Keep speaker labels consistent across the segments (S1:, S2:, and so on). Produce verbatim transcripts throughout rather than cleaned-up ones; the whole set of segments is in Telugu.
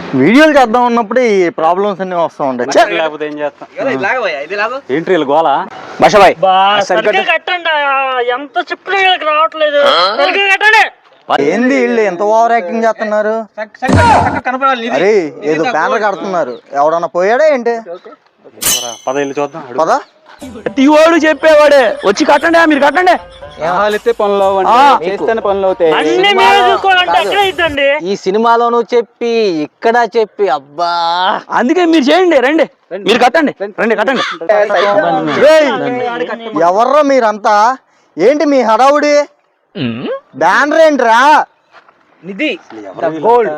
S1: వీడియోలు చేద్దాం ఉన్నప్పుడు ఈ ప్రాబ్లమ్స్ అన్ని వస్తూ ఉంటాయి.
S2: లేకపోతే ఏం చేస్తాం ఏంటి గోళ బషబాయ్
S3: కట్టండి ఎంత చెప్పినా రావట్లేదు.
S1: ఏంది వీళ్ళు ఎంత ఓవర్ యాక్టింగ్ చేస్తున్నారు? అరే ఏదో బ్యానర్ కడుతున్నారు, ఎవడన్నా పోయాడా ఏంటి?
S2: పద వెళ్ళి చూద్దాం.
S1: పద.
S4: ప్రతివాడు చెప్పేవాడే వచ్చి కట్టండి, మీరు కట్టండి.
S2: పనులు చేస్తేనే పనులు అవుతాయి.
S4: ఈ సినిమాలోనూ చెప్పి ఇక్కడ చెప్పి అబ్బా, అందుకే మీరు చేయండి, రండి మీరు కట్టండి, రండి కట్టండి.
S1: ఎవర్రా మీరంతా? ఏంటి మీ హడావుడి? బ్యానర్ ఏంట్రా?
S4: Nidhi the gold,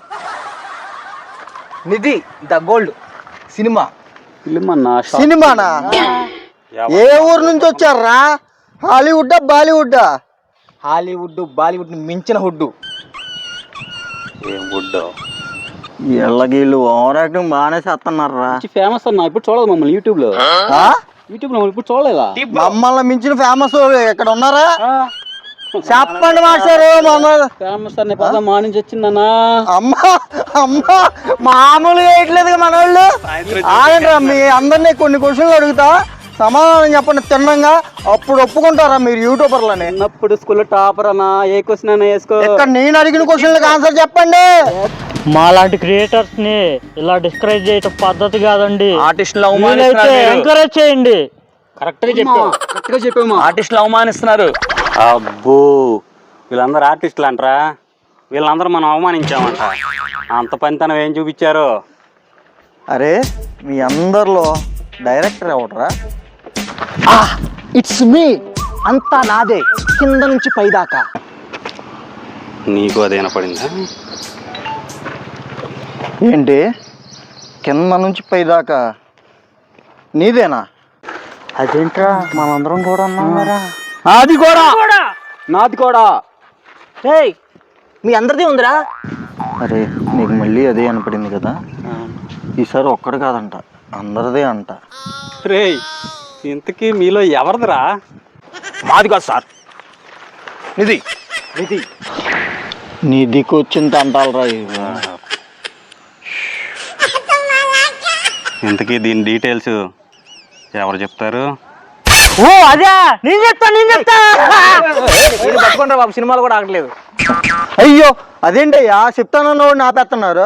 S4: Nidhi the gold cinema.
S1: సినిమానా? ఏ ఊరు నుంచి వచ్చారా? హాలీవుడ్ బాలీవుడ్?
S4: హాలీవుడ్ బాలీవుడ్ మించిన హుడ్.
S2: ఏం గుడ్
S1: ఎల్లగీళ్ళు ఓవర్ యాక్టింగ్ బాగానే చేస్తున్నారా?
S2: ఫేమస్ అన్న, ఇప్పుడు చూడదు మమ్మల్ని యూట్యూబ్ లో. యూట్యూబ్ లో ఇప్పుడు చూడలేదా?
S1: మమ్మల్ని మించిన ఫేమస్ ఇక్కడ ఉన్నారా? చెప్పండి మాస్టారు.
S2: ఫేమస్ అనే పదం మా నుంచి వచ్చిందన్నా.
S1: అమ్మా అమ్మా మామూలు వేయట్లేదు మన వాళ్ళు. ఆగండి, మీ అందరినీ కొన్ని క్వశ్చన్లు అడుగుతా, సమాధానం చెప్పండి తిన్నంగా, అప్పుడు ఒప్పుకుంటారా మీరు యూట్యూబర్లని?
S2: చిన్నప్పుడు స్కూల్లో టాపర్ అన్నా, ఏ క్వశ్చన్ అయినా వేసుకో.
S1: ఇక్కడ నేను అడిగిన క్వశ్చన్లకు ఆన్సర్ చెప్పండి.
S3: మా లాంటి క్రియేటర్స్ ని ఇలా డిస్కరేజ్ చేయటం పద్ధతి కాదండి.
S4: ఆర్టిస్టులు
S3: ఎంకరేజ్ చేయండి.
S4: కరెక్ట్ గా చెప్పావు, కరెక్ట్ గా చెప్పాము. ఆర్టిస్టులు అవమానిస్తున్నారు.
S2: అబ్బో, వీళ్ళందరూ ఆర్టిస్టులు అంటారా? వీళ్ళందరూ మనం అవమానించామంట. అంత పనితనం ఏం చూపించారు?
S1: అరే మీ అందరిలో డైరెక్టర్ ఎవడరా?
S4: ఇట్స్ మీ, అంతా నాదే కింద నుంచి పైదాకా.
S2: నీకు అదేనా పడిందా?
S1: ఏంటి కింద నుంచి పైదాకా నీదేనా? అదేంట్రా మనందరం కూడా ఉన్నారా?
S4: అది కూడా నాది కూడా. మీ అందరిది ఉందిరా.
S1: అరే నీకు మళ్ళీ అదే అనపడింది కదా, ఈసారి ఒక్కడు కాదంట, అందరిదే అంట.
S2: రే ఇంతకీ మీలో ఎవరిదిరా?
S4: మాది కాదు సార్, నిధి.
S1: నిధి నీ దిక్కు వచ్చింది అంటారా?
S2: ఇంతకీ దీని డీటెయిల్స్ ఎవరు చెప్తారు?
S3: ఓ అదే నేను చెప్తా నేను చెప్తా
S4: పట్టుకుంటారా బాబు, సినిమాలు కూడా ఆగట్లేదు.
S1: అయ్యో అదేంటయ్యా చెప్తానన్న వాడు నాపేస్తున్నారు.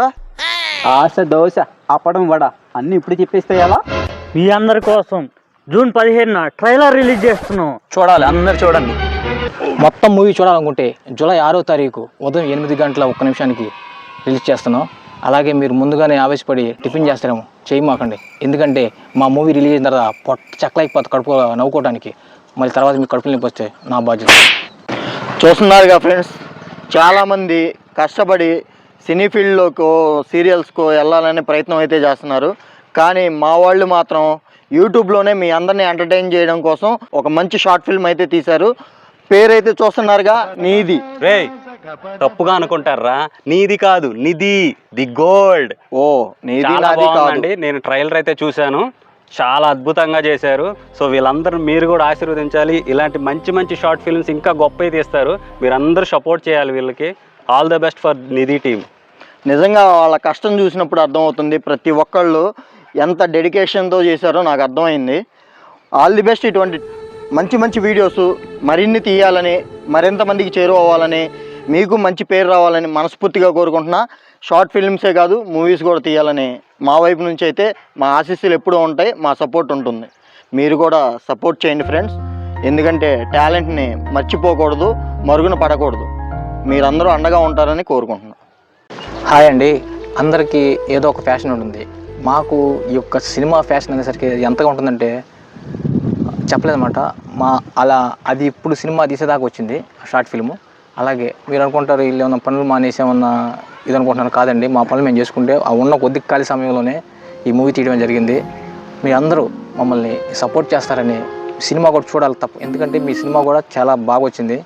S2: ఆశ దోశ అప్పడం వడ అన్ని ఇప్పుడు చెప్పేస్తే ఎలా?
S3: మీ అందరి కోసం జూన్ పదిహేనున ట్రైలర్ రిలీజ్ చేస్తున్నాం,
S4: చూడాలి, అందరు చూడండి. మొత్తం మూవీ చూడాలనుకుంటే జూలై ఆరో తారీఖు ఉదయం ఎనిమిది గంటల ఒక్క నిమిషానికి రిలీజ్ చేస్తున్నాం. అలాగే మీరు ముందుగానే ఆవేశపడి టిఫిన్ చేస్తారేమో, చేయమాకండి. ఎందుకంటే మా మూవీ రిలీజ్ అయిన తర్వాత పొట్ట చెక్కలైపోతుంది కడుపు నవ్వుకోవడానికి. మళ్ళీ తర్వాత మీకు కడుపులు నొప్పి వస్తే నా బాధ్యత.
S1: చూస్తున్నారుగా ఫ్రెండ్స్, చాలామంది కష్టపడి సినీ ఫీల్డ్లోకో సీరియల్స్కో వెళ్ళాలనే ప్రయత్నం అయితే చేస్తున్నారు. కానీ మా వాళ్ళు మాత్రం యూట్యూబ్లోనే మీ అందరినీ ఎంటర్టైన్ చేయడం కోసం ఒక మంచి షార్ట్ ఫిల్మ్ అయితే తీశారు. పేరైతే చూస్తున్నారుగా, నీది.
S2: రే తప్పుగా అనుకుంటారా, నీది కాదు నిధి ది గోల్డ్.
S1: ఓ నీది నాది కాదు.
S2: నేను ట్రైలర్ అయితే చూశాను, చాలా అద్భుతంగా చేశారు. సో వీళ్ళందరూ మీరు కూడా ఆశీర్వదించాలి. ఇలాంటి మంచి మంచి షార్ట్ ఫిల్మ్స్ ఇంకా గొప్పవి తీస్తారు. మీరందరూ సపోర్ట్ చేయాలి వీళ్ళకి. All the best for Nidhi team.
S1: నిజంగా వాళ్ళ కష్టం చూసినప్పుడు అర్థమవుతుంది, ప్రతి ఒక్కళ్ళు ఎంత డెడికేషన్తో చేశారో నాకు అర్థమైంది. All the best. ఇటువంటి మంచి మంచి వీడియోస్ మరిన్ని తీయాలని, మరింతమందికి చేరువవ్వాలని, మీకు మంచి పేరు రావాలని మనస్ఫూర్తిగా కోరుకుంటున్నా. షార్ట్ ఫిల్మ్సే కాదు మూవీస్ కూడా తీయాలని మా వైపు నుంచి అయితే మా ఆశీస్సులు ఎప్పుడూ ఉంటాయి, మా సపోర్ట్ ఉంటుంది. మీరు కూడా సపోర్ట్ చేయండి ఫ్రెండ్స్. ఎందుకంటే టాలెంట్ని మర్చిపోకూడదు, మరుగున పడకూడదు. మీరందరూ అండగా ఉంటారని కోరుకుంటున్నాను.
S4: హాయ్ అండి, అందరికీ ఏదో ఒక ఫ్యాషన్ ఉంటుంది. మాకు ఈ యొక్క సినిమా ఫ్యాషన్ అనేసరికి ఎంతగా ఉంటుందంటే చెప్పలేదన్నమాట. మా అలా అది ఇప్పుడు సినిమా తీసేదాకా వచ్చింది షార్ట్ ఫిల్ము. అలాగే మీరు అనుకుంటారు వీళ్ళు ఏమన్నా పనులు మానేసి ఏమన్నా ఇది అనుకుంటున్నారు. కాదండి, మా పనులు మేము చేసుకుంటే ఆ ఉన్న కొద్ది ఖాళీ సమయంలోనే ఈ మూవీ తీయడం జరిగింది. మీ అందరూ మమ్మల్ని సపోర్ట్ చేస్తారని, సినిమా కూడా చూడాలి తప్ప, ఎందుకంటే మీ సినిమా కూడా చాలా బాగా వచ్చింది.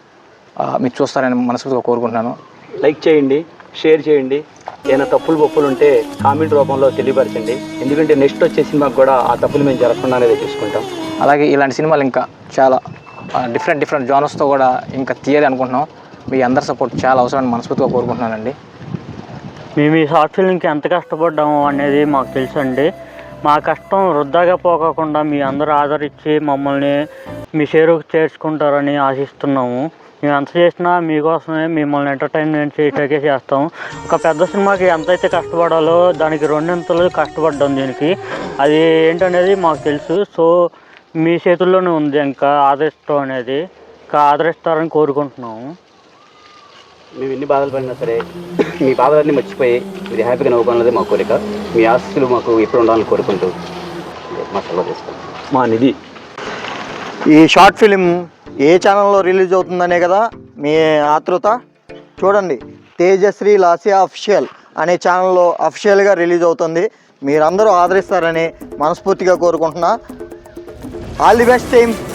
S4: మీరు చూస్తారని మనస్ఫూర్తిగా కోరుకుంటున్నాను.
S2: లైక్ చేయండి, షేర్ చేయండి. ఏమైనా తప్పులు బొప్పులు ఉంటే కామెంట్ రూపంలో తెలియపరచండి. ఎందుకంటే నెక్స్ట్ వచ్చే సినిమాకి కూడా ఆ తప్పులు మేము జరగకుండా అనేది చూసుకుంటాం.
S4: అలాగే ఇలాంటి సినిమాలు ఇంకా చాలా డిఫరెంట్ డిఫరెంట్ జానర్స్తో కూడా ఇంకా తీయాలి అనుకుంటున్నాం. మీ అందరి సపోర్ట్ చాలా అవసరమని మనస్ఫూర్తిగా కోరుకుంటున్నానండి.
S3: మేము ఈ షార్ట్ ఫిల్మ్కి ఎంత కష్టపడ్డాము అనేది మాకు తెలుసండి. మా కష్టం వృధాగా పోకుండా మీ అందరూ ఆదరించి మమ్మల్ని మీ షేరుకు చేర్చుకుంటారని ఆశిస్తున్నాము. మేము ఎంత చేసినా మీకోసమే, మిమ్మల్ని ఎంటర్టైన్మెంట్ చేయటాకే చేస్తాం. ఒక పెద్ద సినిమాకి ఎంతైతే కష్టపడాలో దానికి రెండింతలు కష్టపడ్డాం దీనికి. అది ఏంటనేది మాకు తెలుసు. సో మీ చేతుల్లోనే ఉంది ఇంకా ఆదరిస్తాం అనేది. ఇంకా ఆదరిస్తారని కోరుకుంటున్నాము.
S5: మేము ఎన్ని బాధలు పడినా సరే మీ బాధలన్నీ మర్చిపోయి మీరు హ్యాపీగా నవ్వుకోవాలన్నది మా కోరిక. మీ ఆస్తులు మాకు ఎప్పుడు ఉండాలని కోరుకుంటూ మా సెలవు చేస్తాం.
S2: మా నిధి.
S1: ఈ షార్ట్ ఫిలిం ఏ ఛానల్లో రిలీజ్ అవుతుందనే కదా మీ ఆతృత. చూడండి, తేజశ్రీ లాసియా అఫిషియల్ అనే ఛానల్లో అఫిషియల్గా రిలీజ్ అవుతుంది. మీరందరూ ఆదరిస్తారని మనస్ఫూర్తిగా కోరుకుంటున్నా. All the best team.